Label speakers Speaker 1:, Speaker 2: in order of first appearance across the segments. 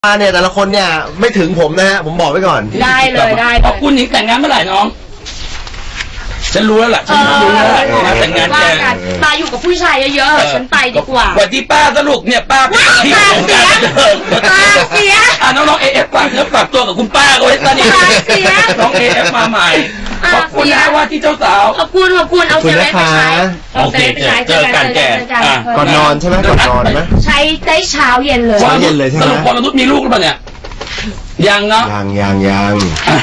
Speaker 1: เนี่ยแต่ละคนเนี่ยไม่ถึงผมนะฮะผมบอกไว้ก่อน
Speaker 2: ได้เลยได้เลย
Speaker 3: คุณหญิงแต่งงานเมื่อไหร่น้องฉันรู้แล้วล่ะฉันรู้แล้วมาแต่งงานแก
Speaker 2: มาอยู่กับผู้ชายเยอะๆฉันไปดีกว่า
Speaker 3: วันที่ป้าสรุปเนี่ยป้าเป็นที่ของการ
Speaker 2: เสีย
Speaker 3: น้องเอฟฝากเนื้อฝากตัวกับคุณป้าเอาไว้ตอนนี้น้องเอฟมาใหม่ขอบคุณนะว่าที่เจ้าสาว
Speaker 2: ขอบคุณเอาเซเว่นไปใช้
Speaker 3: โอเคเจอกันแก
Speaker 1: ก่อนนอนใช่ไหมก่อนนอนไหม
Speaker 2: ใช้ได้เช้าเย็นเลย
Speaker 1: เช้าเย็นเลยใช่ไหม
Speaker 3: สรุปพอมนุษย์มีลูกหรือเปล่าเนี่ยยังเนาะ
Speaker 1: ยัง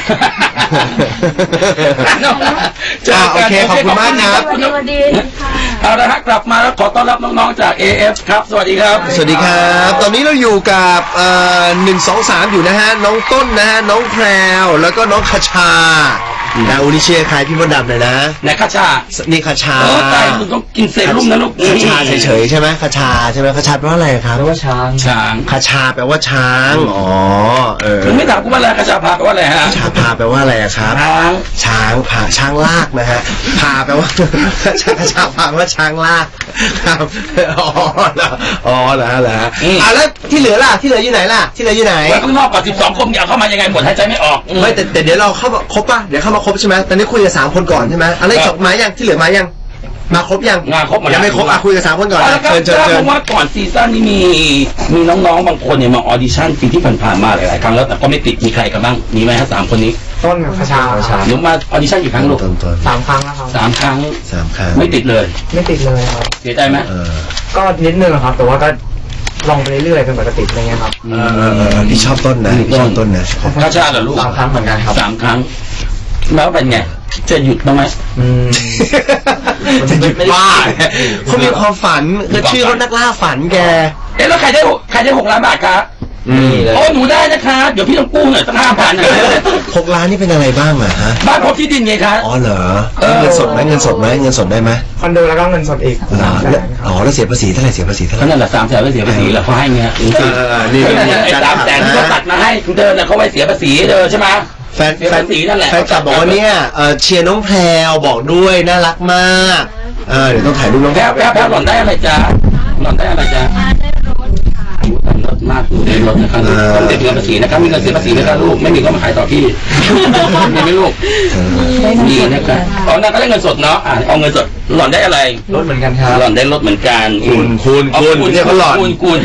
Speaker 1: โอเคขอบคุณมากครับ
Speaker 3: เอาละฮะกลับมาแล้วขอต้อนรับน้องๆจาก AF ครับสวัสดีครับ
Speaker 1: สวัสดีครับตอนนี้เราอยู่กับ1-2-3อยู่นะฮะน้องต้นนะฮะน้องแพรวแล้วก็น้องคชานะอุนิเชียใครพี่มดดำเลยนะ
Speaker 3: เนี่ยคชา
Speaker 1: นี่คชา
Speaker 3: ตายมึงต้องกินเซรุ่มนะลูก
Speaker 1: คชาเฉยๆใช่ไหมคชาใช่ไหมคชาแปลว่าอะไรครับ
Speaker 4: แปลว่าช้าง
Speaker 1: คชาแปลว่าช้างอ๋อ
Speaker 3: มึงไม่ถามกูว่าอะไรคชาพาแปลว่าอะไรฮะ
Speaker 1: คชาพาแปลว่าอะไรครับช้างลากนะฮะพาแปลว่าคชาพาแปลว่าช้างลากครับอ๋อเหรอแล้วที่เหลือล่ะที่เหลืออยู่ไหนล่ะที่เหลืออยู่ไหน
Speaker 3: ไว้ข้างนอกกับ12 คนอยากเข้ามายังไงหมดหายใจไม่ออก
Speaker 1: ไม่แต่เดี๋ยวเราเข้าครบป่ะเดี๋ยวเข้ามาครบใช่ไหมตอนนี้คุยกับ3 คนก่อนใช่ไหมอะไรจบมายังที่เหลือมายังมาครบยังยังไม่ครบคุยกับ3 คนก่อน
Speaker 3: เชิญเพราะว่าก่อนซีซั่นนี้มีน้องๆบางคนเนี่ยมาออดิชั่นปีที่ผ่านๆมาหลายๆครั้งแล้วแต่ก็ไม่ติดมีใครกันบ้างมีไหมฮะ3 คนนี้
Speaker 4: ต้นกับคชา
Speaker 3: หนูมาออดิชั่นกี่ครั้งลูก
Speaker 4: 3 ครั้งแล้วครับ
Speaker 3: 3 ครั้งไม่ติดเลย
Speaker 4: ครับ
Speaker 3: เสียใจไหม
Speaker 4: ก็นิดนึงครับแต่ว่าก็ลองไปเรื่อยๆเป็นปกติอะไรเงี้ยครับ
Speaker 1: พี่ชอบต้นนะชอบต้นนะ
Speaker 3: คชาเหรอลูก
Speaker 4: 3 ครั้งเหมือนกันครับ
Speaker 3: 3 ครั้งแล้วเป็นไงจะหยุดบ้างไหม
Speaker 1: จะหยุดบ้าเขามีความฝันคือชื่อเขานักล่าฝันแก
Speaker 3: แล้วใครได้6 ล้านบาทครับโอ้หนูได้นะคะเดี๋ยวพี่ต้องกู้หน่อยสัก5,000
Speaker 1: 6 ล้านนี่เป็นอะไรบ้างอะฮะ
Speaker 3: บ้านพบที่ดินไงครับ
Speaker 1: อ๋อเหรอเงินสดไหมเงินสดได้ไหม
Speaker 4: คอนโดแล้วก็เงินสดอีก
Speaker 1: อ๋อแล้วเสียภาษีเท่าไหร่
Speaker 3: นั่นแหละ300,000ไม่เสียภาษีแล้วเขาให้เงี้ยนี่300,000ที่เขาตัดมาให้คุณเดินเขาไว้เสียภาษีเดินใช่ไหม
Speaker 1: แฟนกลับบอกว่าเนี่ยเชียร์น้องแพรวบอกด้วยน่ารักมากเดี๋ยวต้องถ่ายรูปน้อง
Speaker 3: แพรวหล่อนได้อะไรจ๊ะรถมากอยู่ในรถนะครับต้องเสียเงินภาษีนะครับมีเงินเสียภาษีนะครับลูกไม่มีก็มาขายต่อพี่มีไหมลูกมีนะครับตอนนั้นก็ได้เงินสดเนาะเอาเงินสดหล่อนได้อะไร
Speaker 4: รถเหมือนกันครับ
Speaker 3: หล่อนได้รถเหมือนกัน
Speaker 1: คุณเนี่ยเขาหล่อน
Speaker 3: คุณ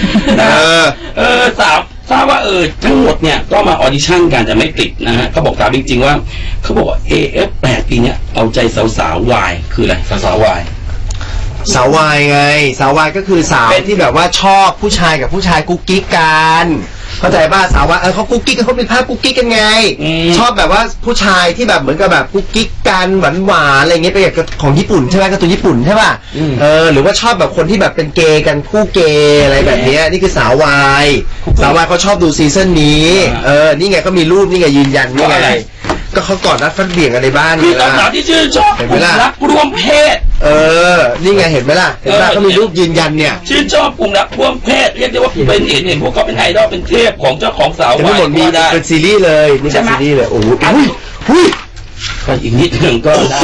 Speaker 3: ทราบว่าทั้งหมดเนี่ยก็มาออดิชั่นกันแต่ไม่ติดนะฮะเขาบอกตามจริงๆว่าเขาบอกว่า AF8 ปีเนี้ยเอาใจสาวๆวายคืออะไรสาววาย
Speaker 1: สาววายไงสาววายก็คือสาวที่แบบว่าชอบผู้ชายกับผู้ชายกุ๊กกิ๊กกันเข้าใจป่ะสาววายเขากุ๊กกิ๊กกันเขาเป็นภาพกุ๊กกิ๊กกันไงชอบแบบว่าผู้ชายที่แบบเหมือนกับแบบกุ๊กกิ๊กกันหวานอะไรเงี้ยไปอย่างของญี่ปุ่นใช่ไหมการ์ตูนญี่ปุ่นใช่ป่ะหรือว่าชอบแบบคนที่แบบเป็นเกย์กันคู่เกย์อะไรแบบนี้นี่คือสาววายเขาชอบดูซีซั่นนี้นี่ไงก็มีรูปนี่ไงยืนยันนี่ไงก็เขากอดรัดฟัดเบี่ยงอะไรบ้าง
Speaker 3: คือสาวที่ชื่นชอบรักร่วมเพศ
Speaker 1: นี่ไงเห็นไหมล่ะเขามีรูปยืนยันเนี่ย
Speaker 3: ชื่นชอบกลุ่มรักร่วมเพศเรียกได้ว่าเป็นเห็นพวกเขาเป็นไอดอลเป็นเทพของเจ้าของสาว
Speaker 1: วายมีเป็นซีรีส์เลยนี่เป็นซีรีส์เลยโอ้โห
Speaker 3: ก็อีกนิดหนึ่งก็ได้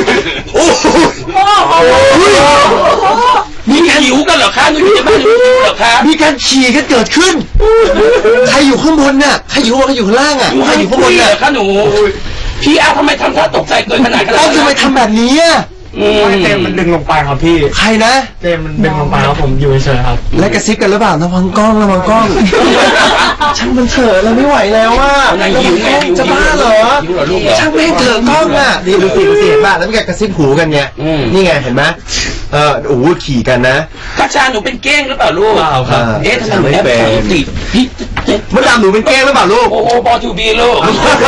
Speaker 3: มีหิวกันเหรอคะนี่ไม่ได้เหรอคะ
Speaker 1: มีการขี่กันเกิดขึ้นใครอยู่ข้างบนน่ะใครอยู่ข้างล่างอ่ะใครอยู่ข้างบนน่ะ
Speaker 3: คะหนูพี่ทำไมทำท่าตกใจเกินขนาดนั้น
Speaker 1: ทำไมทำแบบนี้
Speaker 4: เจมมันดึงลงไปครับพี่
Speaker 1: ใครนะ
Speaker 4: เจมมันดึงลงไปครับผมอยู่เฉยครับ
Speaker 1: แล้วกระซิบกันหรือเปล่าระวังกล้องช่างมันเถอะเราไม่ไหวแล้วว่าจะบ้าเหรอช่างไม่เถอะกล้องอ่ะนี่ดูสิบ้าแล้วมีการกระซิบหูกันเนี่ยนี่ไงเห็นไหมโอ้ขี่กันนะ
Speaker 3: กระชาหนูเป็นเก้งหรือเปล่าลูก
Speaker 1: ครับ
Speaker 3: ทำไมหนูเป็นพี่
Speaker 1: มดดำหนูเป็นเก้งหรือเปล่าลูก
Speaker 3: โอ้บอทูบีลูก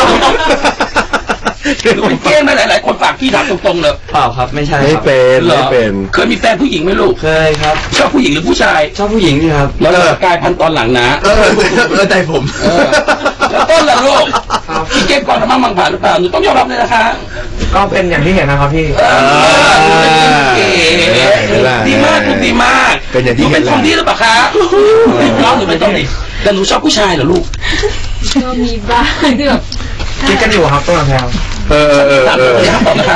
Speaker 3: เป็นเก้งไหมหลายๆคนฝากพี่ถามตรงๆเลย
Speaker 4: เปล่าครับไม่ใช่
Speaker 1: ไม่เป็น
Speaker 3: เคยมีแฟนผู้หญิงไหมลูก
Speaker 4: เคยครับ
Speaker 3: ชอบผู้หญิงหรือผู้ชาย
Speaker 4: ชอบผู้หญิงนี่ครับ
Speaker 3: แล้วกลายพันธุ์ตอนหลังนะ
Speaker 1: ใจผม
Speaker 3: แล้วต้นล่ะลูกพี่เก้งก่อนมั่งผ่านหรือเปล่าหนูต้องยอมรับเลยนะคะ
Speaker 4: ก็เป็นอย่างที่เห็นนะครับพี่
Speaker 3: ดีมากดีมาก
Speaker 1: เป็นอย่างที่
Speaker 3: เห็นเป็นคนดีหรือเปล่าคะน้องหนูเป็นคนดีแต่หนูชอบผู้ชายเหรอลูก
Speaker 2: ก็มีบ้าง
Speaker 4: คิดกันอยู่ครับต้นแพรว
Speaker 3: ถามเลยครับตอบนะคะ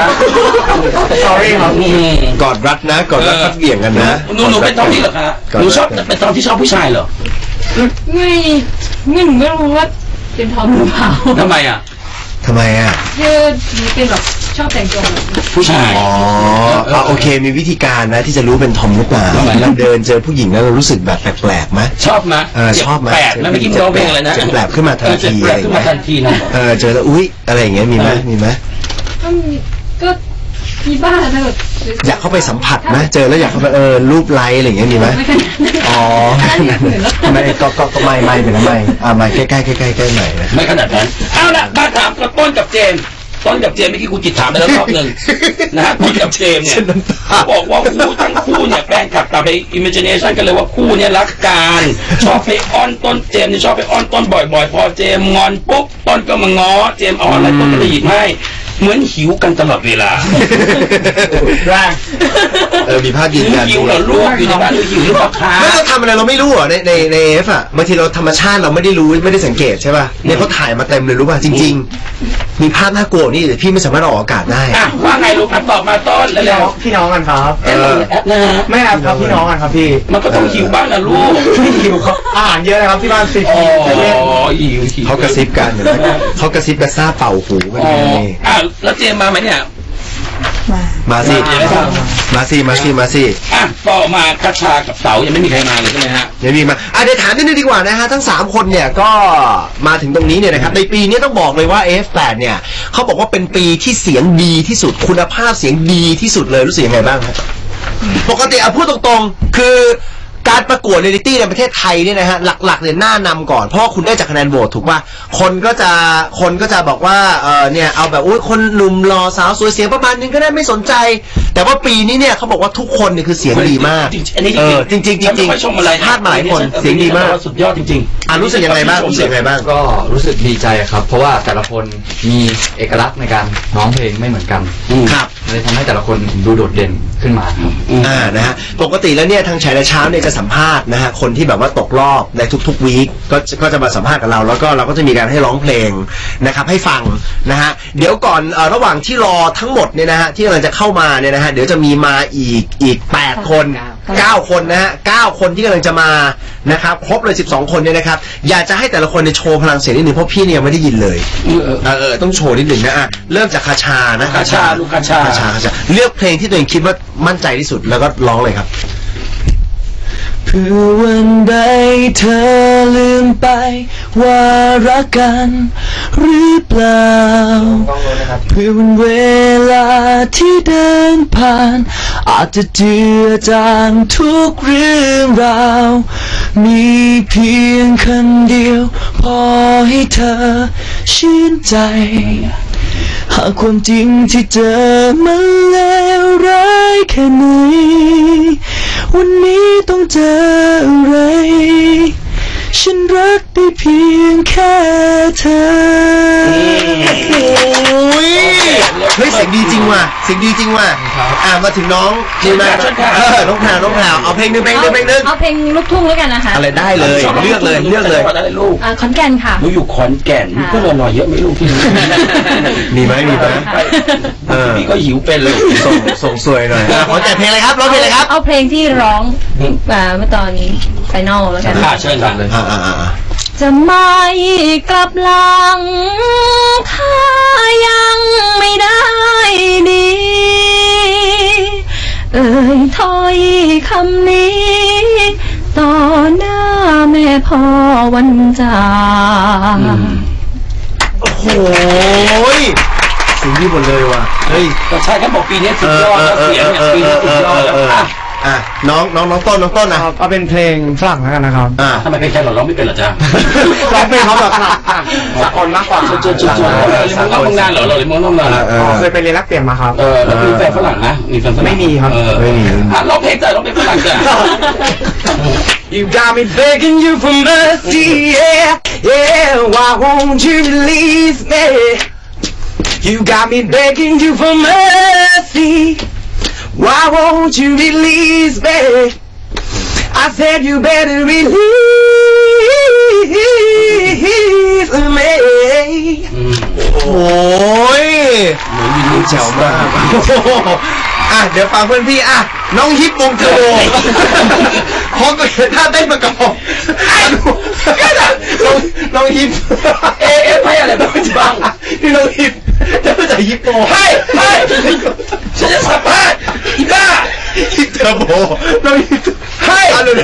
Speaker 4: sorry ครับ
Speaker 1: กอดรัดนะกอดรัดพัดเบี่ยงกันนะ
Speaker 3: หนูเป็นทอมนี่เหรอคะหนูชอบเป็นทอมที่ชอบผู้ชายเหรอ
Speaker 2: ไม่หนูไม่รู้ว่าเป็นทอมหรือเปล่า
Speaker 3: ทำไมอ่ะ
Speaker 1: ทำไมอ่ะ
Speaker 2: คือหนูเป็นแบบชอบแต่งตัวแบบ
Speaker 3: ผู้ชาย
Speaker 1: อ๋อโอเคมีวิธีการนะที่จะรู้เป็นทอมหรือเปล่า
Speaker 3: ทำไม
Speaker 1: เราเดินเจอผู้หญิงแล้วเรารู้สึกแบบแปลกๆไหม
Speaker 3: ชอบไหม
Speaker 1: ชอบไหม
Speaker 3: แปลกแล้วเมื่อกี้ร้องเพลงอะไรนะ
Speaker 1: เจ็บแปลกขึ้นมาทันที
Speaker 3: เจ็บแปลกขึ้นมาทันทีนะ
Speaker 1: เจอแล้วอุ๊ยอะไรอย่างเงี้ยมีไหมมีไหม
Speaker 2: ก็มีบ้างนะแบบ
Speaker 1: อยากเข้าไปสัมผัสไหมเจอแล้วอยากเข้าไปรูปไลค์อะไรอย่างเงี้ยมีไหม
Speaker 2: ไม่ขนาดนั้น
Speaker 1: อ๋อไม่ก็ไม่เป็นไรไม่ใกล้ใกล้ใหม่นะ
Speaker 3: ไม่ขนาดนั้นเอาละมาถามกับต้นกับเจมส์เมื่อกี้คุณจิตถามไปแล้วรอบหนึ่งนะฮะต้นกับเจมส์เนี่ยบอกว่าคู่ทั้งคู่เนี่ยแฟนคลับกลับไป imagination กันเลยว่าคู่เนี่ยรักกันชอบไปอ้อนต้นเจมส์เนี่ยชอบไปอ้อนต้นบ่อยๆพอเจมส์งอนปุ๊บต้นก็มาง้อเจมส์เอาอะไรต้นก็จะหยิบให้เหมือนหิวกันตลอดเวลา
Speaker 4: แรง
Speaker 1: มีภาพยืนยัน
Speaker 3: หิวเหรอลูกอยู่ในบ้านหิวหรือเปล่าคะ
Speaker 1: ไม่เราทำอะไรเราไม่รู้เหรอในเอฟอ่ะบางทีเราธรรมชาติเราไม่ได้รู้ไม่ได้สังเกตใช่ป่ะเนี่ยเขาถ่ายมาเต็มเลยรู้ป่ะจริงๆมีภาพน่ากลัวนี่แต่พี่ไม่สามารถออกอากาศได้
Speaker 3: อ่ะว่าไงลูกตอบมาต้นแล้ว
Speaker 4: พี่น้องกันครับ
Speaker 3: แอปนะฮะ
Speaker 4: ไม่แอบครับพี่น้องกันครับพี่
Speaker 3: มันก็ต้องหิวบ้างนะลูก
Speaker 4: ไม่หิวครับอาหารเยอะนะครับที่บ้านซี
Speaker 3: อ๋
Speaker 4: พี
Speaker 3: อหิว
Speaker 1: เขากระซิบกันเห็นไหมเขากระซิบกระซาบเป่าหูกัน
Speaker 3: อ๋อ
Speaker 1: นี่
Speaker 3: อ่ะแล้วเจมมาไหมเนี่ย
Speaker 1: มาสิ มาสิ
Speaker 3: อ่ะต่อมากระชากับเสายังไม่มีใครมาเลยใช่ไหมฮะ
Speaker 1: เดี๋ยวมีมาเดี๋ยวถามนิดนึงดีกว่านะฮะทั้ง3คนเนี่ยก็มาถึงตรงนี้เนี่ยนะครับในปีนี้ต้องบอกเลยว่า F8 เนี่ยเขาบอกว่าเป็นปีที่เสียงดีที่สุดคุณภาพเสียงดีที่สุดเลยรู้สึกยังไงบ้างครับปกติพูดตรงๆคือการประกวดเรียลิตี้ในประเทศไทยเนี่ยนะฮะหลักๆเนี่ยหน้านำก่อนเพราะคุณได้จากคะแนนโหวตถูกป่ะคนก็จะบอกว่าเนี่ยเอาแบบอุ้ยคนหนุ่มหล่อสาวสวยเสียงประมาณนึงก็ได้ไม่สนใจแต่ว่าปีนี้เนี่ยเขาบอกว่าทุกคนเนี่ยคือเสียงดีมาก
Speaker 3: อันนี้จริง
Speaker 1: จริงๆ
Speaker 3: ชมอะไร
Speaker 1: พลาดมาหลายคนเสียงดีมาก
Speaker 3: สุดยอดจริงๆ
Speaker 1: รู้สึกยังไงบ้างรู้สึกยังไงบ้าง
Speaker 5: ก็รู้สึกดีใจครับ เพราะว่าแต่ละคนมีเอกลักษณ์ในการร้องเพลงไม่เหมือนกัน
Speaker 1: ครับ
Speaker 5: เลยทำให้แต่ละคนดูโดดเด่นขึ้นมาครับ
Speaker 1: นะฮะปกติแล้วเนี่ยทางฉายเช้าเนี่ยจะสัมภาษณ์นะฮะคนที่แบบว่าตกรอบในทุกๆวีคก็จะมาสัมภาษณ์กับเราแล้วก็เราก็จะมีการให้ร้องเพลงนะครับให้ฟังนะฮะเดี๋ยวก่อนระหว่างที่รอทั้งหมดเนี่ยนะฮะที่กำลังจะเข้ามาเนี่ยนะฮะเดี๋ยวจะมีมาอีก8 คน9 คนนะฮะ9 คนที่กำลังจะมานะครับครบเลย12 คนเนี่ยนะครับอยากจะให้แต่ละคนในโชว์พลังเสียงนิดนึงเพราะพี่เนี่ยไม่ได้ยินเลยต้องโชว์นิดนึงนะเริ่มจากคาชานะ
Speaker 3: คาชาลูกคาชา
Speaker 1: เลือกเพลงที่ตัวเองคิดว่ามั่นใจที่สุดแล้วก็ร้องเลยครับเพื่อวันใดเธอลืมไปว่ารักกันหรือเปล่าเพื่อวันเวลาที่เดินผ่านอาจจะเจือจางทุกเรื่องราวมีเพียงคำเดียวพอให้เธอชื่นใจหากความจริงที่เจอมันเลวร้ายแค่ไหนวันนี้ต้องเจออะไรฉันรักได้เพียงแค่เธอเฮ้ยเสียงดีจริงว่ะเสียงดีจริงว่ะมาถึงน้องนี่นะน้องแพรวเอาเพลงนึง
Speaker 2: เอาเพลงลูกทุ่งแล้วกันนะคะ
Speaker 1: อะไรได้เลยเลือกเลย
Speaker 3: ลูก
Speaker 2: ขอนแก่นค่ะ
Speaker 3: หนูอยู่ขอนแก่นมีเพื่อนหน่อยเยอะไหมลูกที่
Speaker 1: มีไหม
Speaker 3: พี่ก็หิวเป็นเลย
Speaker 1: ส่งสวยหน่อยขอแต่เพลงอะไรครับร้องเพลงอะไรครับ
Speaker 2: เอาเพลงที่ร้องเมื่อตอนไฟนอลแล้วกัน
Speaker 3: เชิญครับ
Speaker 2: จะไม่กลับหลังถ้ายังไม่ได้ดีถ้อยคำนี้ต่อหน้าแม่พ่อวันจาก
Speaker 1: โอ้โหเสียงดีหมดเลยว่ะเฮ้ย
Speaker 3: ก็ใช่ครับบอกปีนี้สุดยอดแล้วเสียงเนี่ยปีนี้สุดยอดแล้ว
Speaker 1: น้องต้นนะ
Speaker 4: เอาเป็นเพลงฝรั่งแล้วกันนะครับ
Speaker 3: ทำไมเพลงไทยเราร้องไม่เป็นเหรอจ๊ะ
Speaker 4: ร้องเพลงเขาแบบสากลมากกว่า
Speaker 3: จุดเราทำงานเหรอเราเลยมองนาน
Speaker 4: เคยไปเรียนรักเปลี่ยนมาครับ
Speaker 3: แล้วมีแฟนฝรั่งนะมีแฟนฝรั่ง
Speaker 4: ไม่มีครับ
Speaker 1: ไม่มี
Speaker 3: ร้องเพลงจ้ะร้องเพลงฝรั่งจ้ะ
Speaker 4: You got me begging you for mercy yeah why won't you release me You got me begging you for mercy Why won't you release me? I said you better release me. โอ้ย
Speaker 1: เดี๋ยวฟังเพื่อนพี่น้องฮิปวงเทอร์โบพร้อมกับท่าเต้นประกอบน้องฮิป
Speaker 3: ให้อะไรบ้าง
Speaker 1: พี่น้องฮิปจะไม่ใช่ฮิปโป
Speaker 3: ให้ฉันจะสัมภาษณ์อีบ้า
Speaker 1: ฮิปเทอร์โบน้องฮิปให้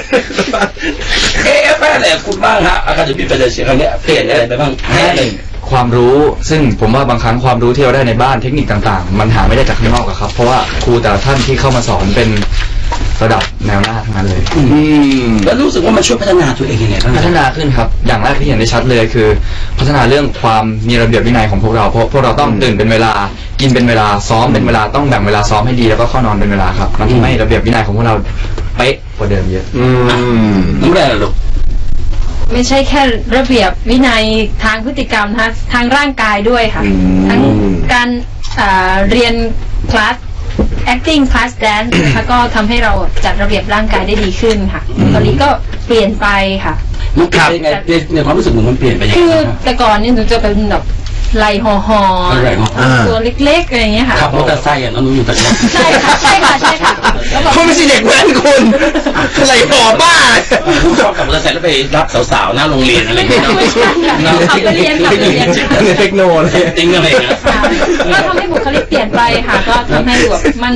Speaker 3: ให้อะไรคุณบ้างฮะอาคาเดมี่เฟเดเชียครั้งนี้เปลี่ยนอะไรไปบ้างให้
Speaker 5: ความรู้ซึ่งผมว่าบางครั้งความรู้ที่เราได้ในบ้านเทคนิคต่างๆมันหาไม่ได้จากข้างนอกครับเพราะว่าครูแต่ละท่านที่เข้ามาสอนเป็นระดับแนวหน้าทั้งนั้นเลย
Speaker 3: แล้วรู้สึกว่ามันช่วยพัฒนาตัวเองยังไงบ้าง
Speaker 5: พัฒนาขึ้นครับอย่างแรกที่เห็นได้ชัดเลยคือพัฒนาเรื่องความมีระเบียบวินัยของพวกเราเพราะพวกเราต้องตื่นเป็นเวลากินเป็นเวลาซ้อมเป็นเวลาต้องแบ่งเวลาซ้อมให้ดีแล้วก็เข้านอนเป็นเวลาครับมันทำให้ระเบียบวินัยของพวกเราเป๊ะกว่าเดิมเยอะ
Speaker 3: น้ำแร่ลูก
Speaker 2: ไม่ใช่แค่ระเบียบวินัยทางพฤติกรรมนะคะทางร่างกายด้วยค่ะทั้งการเรียนคลาส acting class dance นะคะก็ทำให้เราจัดระเบียบร่างกายได้ดีขึ้นค่ะตอนนี้ก็เปลี่ยนไปค่ะ
Speaker 3: มันเปลี่ยนยังไงในความรู้สึกมันเปลี่ยนไปยังไง
Speaker 2: คือแต่ก่อนนี่หนูจะเป็นแบบไหลห่อตัวเล็กๆอะไรอย่างเงี้ยค่ะ
Speaker 3: ขับมอเตอร์ไซค์น้องอยู่แบบนี้
Speaker 2: ใช่ค่ะ
Speaker 1: เขาไม่ใช่เด็กแว้นคุณไหลห่อบ้า
Speaker 3: ชอบขับมอเตอร์ไซค์แล้วไปรับสาวๆหน้าโรงเรียนอะไรอย่างเงี้ย
Speaker 2: ขับไปเรียน
Speaker 1: เทคโนโลยี
Speaker 3: จริงอะไรอย่างเงี้ย
Speaker 2: ก็ทำให้บุคลิกเปลี่ยนไปค่ะก็ทำให้แบบมัน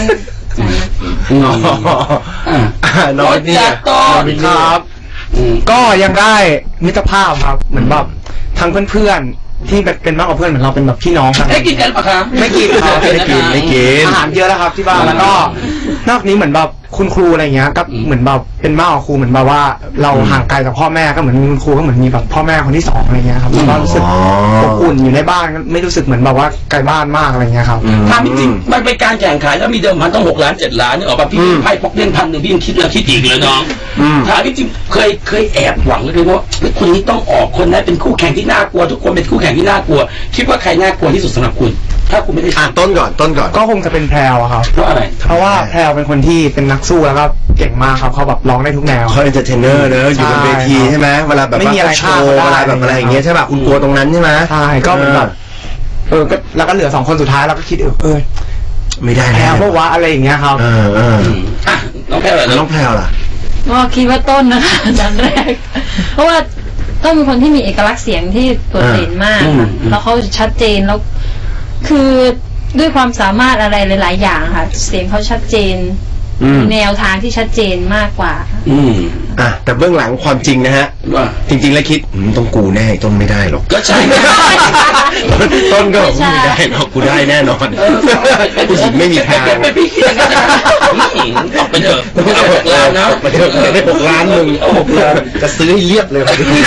Speaker 1: น้อยนี่
Speaker 6: ครับก็ยังได้มิตรภาพครับเหมือนแบบทั้งเพื่อนๆที่เป็นมากกว่าเพื่อนเหมือนเราเป็นแบบพี่น้องกัน
Speaker 3: ไม่กินกันปะครับ
Speaker 6: ไม่กินครับ
Speaker 1: ไม่กิน
Speaker 6: อาหารเยอะแล้วครับที่บ้านแล้วก็นอกนี้เหมือนแบบคุณครูอะไรเงี้ยก็เหมือนแบบเป็นมากกว่าครูเหมือนแบบว่าเราห่างไกลจากพ่อแม่ก็เหมือนคุณครูก็เหมือนมีแบบพ่อแม่คนที่สองอะไรเงี้ยครับแล้วก็รู้สึกอบอุ่นอยู่ในบ้านไม่รู้สึกเหมือนแบบว่าไกลบ้านมากอะไรเงี้ยครับ
Speaker 3: ถามจริงมันเป็นการแข่งขันแล้วมีเดิมพันต้อง6 ล้าน 7 ล้านนี่ออกมาพี่ไพ่พกเล่น1,000พี่ยังคิดแล้วคิดอีกเลยน้องถามจริงเคยแอบหวังเลยว่าคนนี้ต้องออกคนนั้นเป็นคู่แข่งที่น่ากลัวทุกคนเป็นคู่แข่งที่น่ากลัวคิดว่าใครน่ากลัวที่สุดสำหรับคุณถ้าคุณไม่ได้
Speaker 1: ต้นก่อน
Speaker 6: ก็คงจะเป็นแพรวครับ
Speaker 3: เพราะอะไร
Speaker 6: เพราะว่าแพรวเป็นคนที่เป็นนักสู้แล้วก็เก่งมากครับเขาแบบร้องได้ทุกแนว
Speaker 1: เขาเอนเตอร์เทนเนอร์เนอะอยู่บนเวทีใช่ไหมเวลาแบบ
Speaker 6: ไม่มีอะไร
Speaker 1: โชว์เวลาแบบอะไรอย่างเงี้ยใช่ป่ะคุณกลัวตรงนั้นใช่ไหม
Speaker 6: ใช่ก็เหมือนแบบก็แล้วก็เหลือ2 คนสุดท้ายเราก็คิด
Speaker 1: ไม่ได้
Speaker 6: แพรวเพราะว่าอะไรอย่างเงี้ยครับ
Speaker 3: น้องแพรว
Speaker 1: ล่ะ
Speaker 2: ก็คิดว่าต้นนะคะดันแรกเพราะว่าต้นเป็นคนที่มีเอกลักษณ์เสียงที่โดดเด่นมากแล้วเขาชัดเจนแล้วคือด้วยความสามารถอะไรหลายๆอย่างค่ะเสียงเขาชัดเจนแนวทางที่ชัดเจนมากกว่า
Speaker 1: แต่เบื้องหลังความจริงนะฮะจริงๆแล้วคิดต้องกูแน่ต้นไม่ได้หรอก
Speaker 3: ก็ใช่
Speaker 1: ต้นก็ไม่ได้หรอกกูได้แน่นอนผู้หญิงไม่มีทาง
Speaker 3: ไม่พี่คิดอย่างนั้นออกไปเถอะเอา6 ล้านนะ
Speaker 1: มาเถอะได้6 ล้านมึงเอา6 ล้านจะซื้อให้เรียบเลย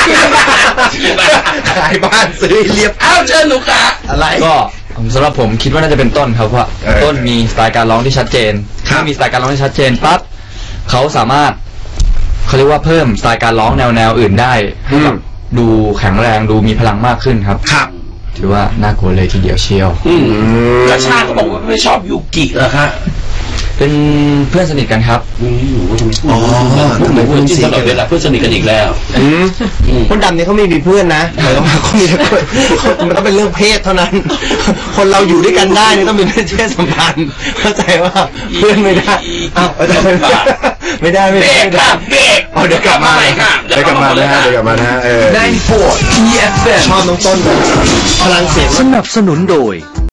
Speaker 1: ขายบ้านซื้อให้เรียบ
Speaker 3: เอาเชิญลูกค้า
Speaker 1: อะไร
Speaker 5: ก็สำหรับผมคิดว่าน่าจะเป็นต้นครับเพราะต้นมีสไตล์การร้องที่ชัดเจนถ้ามีสไตล์การร้องที่ชัดเจนปั๊บเขาสามารถเขาเรียกว่าเพิ่มสไตล์การร้องแนวอื่นได้ให้แบบดูแข็งแรงดูมีพลังมากขึ้นครับถือว่าน่ากลัวเลยทีเดียวเชียว
Speaker 3: กระชาเขาบอกว่าไม่ชอบยูกิเหรอคะ
Speaker 5: เป็นเพื่อนสนิทกันครับ
Speaker 3: ทำไมเพื่อนที่ตลอดเวลาเพื่อนสนิทกันอีกแล้ว
Speaker 1: คนดำเนี่ยเขาไม่มีเพื่อนนะเขามีแต่มันต้องเป็นเรื่องเพศเท่านั้นคนเราอยู่ด้วยกันได้เนี่ยต้องเป็นเพศสัมพันธ์เข้าใจว่าเพื่อนไม่ได้ไม่ได้
Speaker 3: เบรก
Speaker 1: เดี๋ยวกลับมานะ
Speaker 7: 94 EFM
Speaker 1: ชอบน้องต้นพลังเสียง
Speaker 7: สนับสนุนโดย